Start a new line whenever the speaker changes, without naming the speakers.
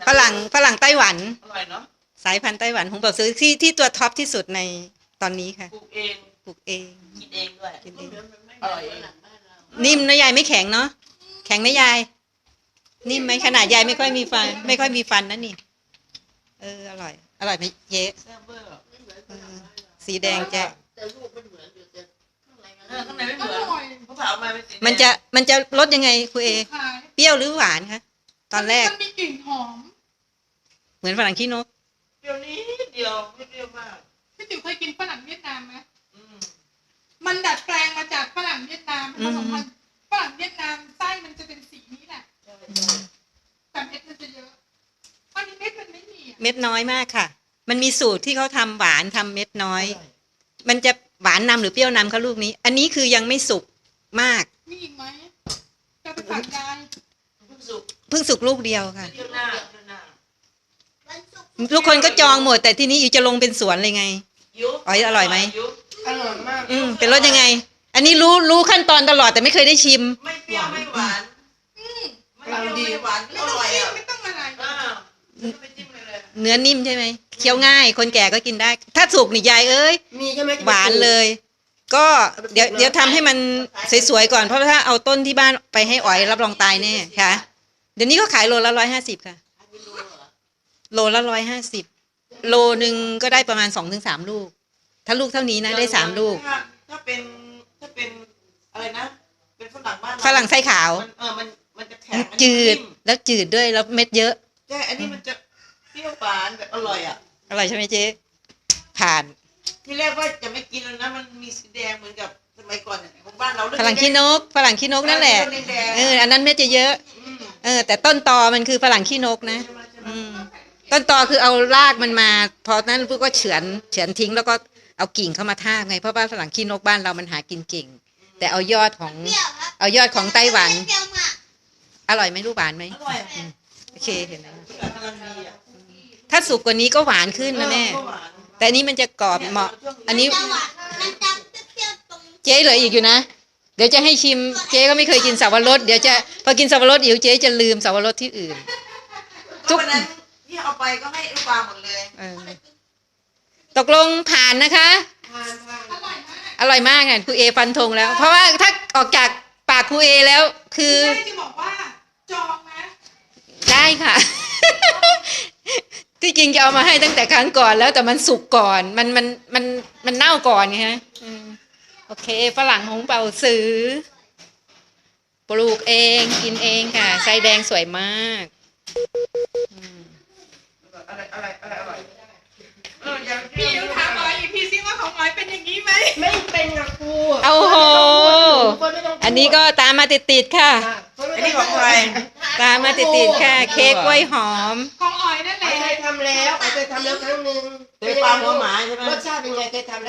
ฝรั่งไต้หวัน
อร่อยเนาะ
สายพันธุ์ไต้หวันหงเป่าซื้อที่ตัวท็อปที่สุดในตอนนี้ค่ะ
ปลูกเองกินเองด้วย
กินเอง
อร่อยเอง
นิ่มนะยายไม่แข็งเนาะแข็งนะยายนิ่มไหมขนาดยายไม่ค่อยมีฟันนะนี่อร่อยไหมเจ๊สีแดงแจ๊
แต่ลูกมันเหมือนอยู่แต่ข้างใน
ข้างในไม่เหมือนเขาผ่าออกมาเป็นสี
มันจะรสยังไงครูเอเปรี้ยวหรือหวานคะตอนแรก
มันมีกลิ่นหอม
เหมือนฝรั่งขี้นก
เดียวนี้เดียวไม่เปรี้ยวมาก
พี่ติ๋วเคยกินฝรั่งเวียดนามไหมมันดัดแปลงมาจากฝรั่งเวียดนามผสมพันธุ์ฝรั่งเวียดนามไส้มันจะเป็นสีนี้แหละแต่เม็ดมันจะเยอะอันนี้เม็ดมันไม่มี
เม็ดน้อยมากค่ะมันมีสูตรที่เขาทำหวานทำเม็ดน้อยมันจะหวานนำหรือเปรี้ยวนำคะลูกนี้อันนี้คือยังไม่สุกมาก
มีอีกไหมจะไปฝากยาย
เพิ่งสุกลูกเดียวค่ะทุกคนก็จองหมดแต่ที่นี้อยู่จะลงเป็นสวนเลยไงอ๋อร่อยไหม
อร่อยมาก
เป็นรสยังไงอันนี้รู้ขั้นตอนตลอดแต่ไม่เคยได้ชิม
ไม่เปรี้ยวไม่หวานไม่ดีหวานอร่อยอ่ะ
ไม่ต้องอะไร
เนื้อนิ่มใช่ไหมเคี้ยวง่ายคนแก่ก็กินได้ถ้าสุกนี่ยายเอ้ยหวานเลยก็เดี๋ยวทำให้มันสวยๆก่อนเพราะถ้าเอาต้นที่บ้านไปให้อ๋อยรับรองตายแน่ค่ะเดี๋ยวนี้ก็ขายโลละ150ค่ะโลละ150โลนึงก็ได้ประมาณ2-3ลูกถ้าลูกเท่านี้นะได้3ลูก
ถ้าเป็นอะไรนะเป็นฝรั่งบ้าน
ฝรั่งไส้ขาว
มันจะแข็ง
จืดแล้วจืดด้วยแล้วเม็ดเยอะ
ใช่อันนี้มันจะเปรี้ยวหวานแบบอร่อยอ่ะ
อร่อยใช่ไหมเจ๊ผ่าน
ที่แรกว่าจะไม่กินแล้วนะมันมีสีแดงเหมือนกับสมัยก่อนของบ้านเรา
ฝรั่งขี้นกนั่นแหละอันนั้นเม็ดจะเยอะแต่ต้นตอมันคือฝรั่งขี้นกนะต้นตอคือเอารากมันมาพอนั้นพวกก็เฉือนทิ้งแล้วก็เอากิ่งเข้ามาทาบไงเพราะว่าฝรั่งขี้นกบ้านเรามันหากินเก่งแต่เอายอดของไต้หวันอร่อยไหมลูกหวานไหม
อร่อย
โอเคเห็นไหมถ้าสุกกว่านี้ก็หวานขึ้นนะแม่แต่อันนี้มันจะกรอบเหมาะอันนี้เจ๊เหลืออีกอยู่นะเดี๋ยวจะให้ชิมเจ๊ก็ไม่เคยกินสับปะรดเดี๋ยวจะพอกินสับปะรดเจ๊จะลืมสับปะรดที่อื่น
ทุกนั้นที่เอาไปก็ให้ลูกปลาหมดเลย
ตกลงผ่านนะคะอร่อยมากค่ะครูเอฟันธงแล้วเพราะว่าถ้าออกจากปากครูเอแล้วคือ
จะบอกว่าจองนะ
ได้ค่ะที่จริงจะเอามาให้ตั้งแต่ครั้งก่อนแล้วแต่มันสุกก่อนมันเน่าก่อนไงฮะโอเคฝรั่งหงเป่าสือปลูกเองกินเองค่ะไส้แดงสวยมาก
พี่ยูถามอ๋อยอีกทีซิว่าของอ๋อยเป็นอย่างนี้ไหม
ไม่เป็นกับครู
โอ้โหอันนี้ก็ตามมาติดค่ะ
อันนี้ของใคร
ตามมาติดค่ะเค้กกล้วยหอม
ของอ๋อยนั่นแหละ
เคยทำแล้วครั้งนึง
เป็นปลาหัวหมาใช่ไหม
รสชาติเป็นไงเคยทำ